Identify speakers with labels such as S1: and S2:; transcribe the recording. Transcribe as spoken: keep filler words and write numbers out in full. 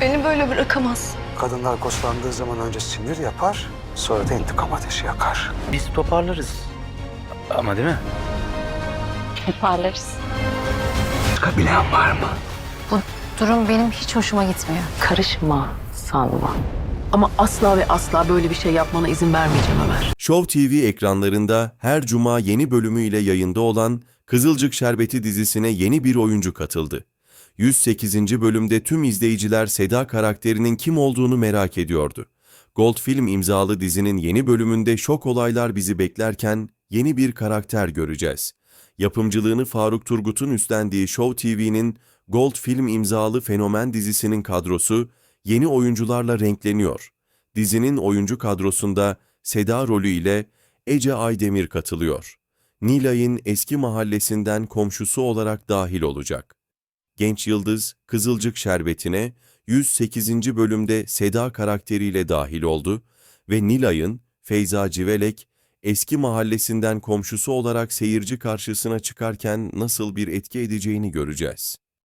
S1: Beni böyle bırakamaz.
S2: Kadınlar koşlandığı zaman önce sinir yapar, sonra da intikam ateşi yakar.
S3: Biz toparlarız. Ama değil mi?
S1: Toparlarız.
S2: Çıkabilen var mı?
S4: Bu durum benim hiç hoşuma gitmiyor.
S5: Karışma sanma.
S6: Ama asla ve asla böyle bir şey yapmana izin vermeyeceğim Ömer.
S7: Show T V ekranlarında her cuma yeni bölümüyle yayında olan Kızılcık Şerbeti dizisine yeni bir oyuncu katıldı. yüz sekizinci bölümde tüm izleyiciler Seda karakterinin kim olduğunu merak ediyordu. Gold Film imzalı dizinin yeni bölümünde şok olaylar bizi beklerken yeni bir karakter göreceğiz. Yapımcılığını Faruk Turgut'un üstlendiği Show T V'nin Gold Film imzalı Fenomen dizisinin kadrosu yeni oyuncularla renkleniyor. Dizinin oyuncu kadrosunda Seda rolü ile Ece Aydemir katılıyor. Nilay'ın eski mahallesinden komşusu olarak dahil olacak. Genç yıldız Kızılcık Şerbeti'ne yüz sekizinci bölümde Seda karakteriyle dahil oldu ve Nilay'ın Feyza Civelek eski mahallesinden komşusu olarak seyirci karşısına çıkarken nasıl bir etki edeceğini göreceğiz.